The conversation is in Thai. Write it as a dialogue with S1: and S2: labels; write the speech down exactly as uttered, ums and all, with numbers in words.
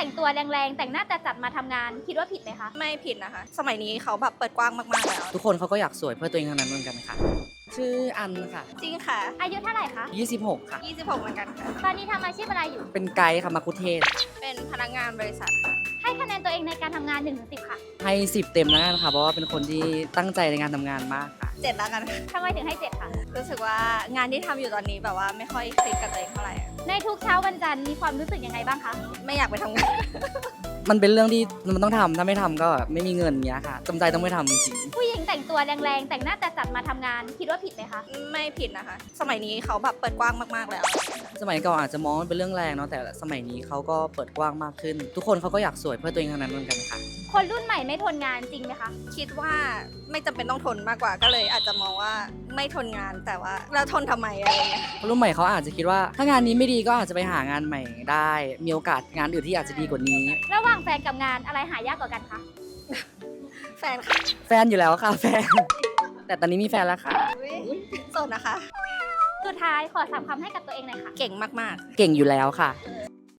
S1: แต่งตัวแรงๆแต่งหน้าจัดๆมาทำงานคิดว่าผิดไหมคะ
S2: ไม่ผิดนะคะ สมัยนี้เขาแบบเปิดกว้างมากๆแล้ว
S3: ทุกคนเขาก็อยากสวยเพื่อตัวเองทั้งนั้นเหมือนกันค่ะ ชื่ออันค่ะ
S2: จริงค่ะ
S1: อายุเท่าไหร่คะ
S3: ยี่สิบหกค่ะ
S2: ยี่สิบหกเหมือนกันค่ะ
S1: ตอนนี้ทำอาชีพอะไรอยู่
S3: เป็นไกด์ค่ะมาคุเทศ
S2: เป็นพนักงานบริษัทค่ะ
S1: ให้คะแนนตัวเองในการทำงานหนึ่งถึงสิบค่ะ
S3: ให้สิบเต็มแล้วกันค่ะ เพราะว่าเป็นคนที่ตั้งใจในงานทำงานมากค่ะ
S2: เจ็ดแล้วกันค่ะ
S1: ทำไมถึงให้เจ็ดคะ
S2: รู้สึกว่างานที่ทำอยู่ตอนนี้แบบว่าไม่ค่อยคลิกกับตัวเองเท่าไหร่อะ
S1: ในทุกเช้าวันจันทร์มีความรู้สึกยังไงบ้างคะ
S2: ไม่อยากไปทำงาน
S3: มันเป็นเรื่องที่มันต้องทำถ้าไม่ทำก็ไม่มีเงินเงี้ยค่ะจำใจต้องไม่ทำจริง
S1: ผู้หญิงแต่งตัวแรงๆแต่งหน้าจัดๆมาทำงานคิดว่าผิดไหมคะ
S2: ไม่ผิดนะคะ สมัยนี้เขาแบบเปิดกว้างมากๆแล้ว
S3: สมัยก่อนอาจจะมองว่าเป็นเรื่องแรงเนาะแต่สมัยนี้เขาก็เปิดกว้างมากขึ้น ทุกคนเขาก็อยากสวยเพื่อตัวเองทั้งนั้นเหมือนกันค่ะ
S1: คนรุ่นใหม่ไม่ทนงานจริงไหมคะ
S2: คิดว่าไม่จำเป็นต้องทนมากกว่าก็เลยอาจจะมองว่าไม่ทนงานแต่ว่าแล้วทนทำไมอะไรเงี้ย
S3: คนรุ่นใหม่เขาอาจจะคิดว่าถ้างานนี้ไม่ดีก็อาจจะไปหางานใหม่ได้ มีโอกาสงานอื่นที่อาจจะดีกว่านี้
S1: ระหว่างแฟนกับงานอะไรหายากกว่ากันคะ
S2: แฟนค่ะ
S3: แฟนอยู่แล้วค่ะแฟน แต่ตอนนี้มีแฟนแล้วค่ะ
S2: อุ๊ยโสดนะคะ
S1: สุดท้ายขอสามคำให้กับตัวเองหน่อยค่ะ
S2: เก่งมาก
S3: เก่งอยู่แล้วค่ะ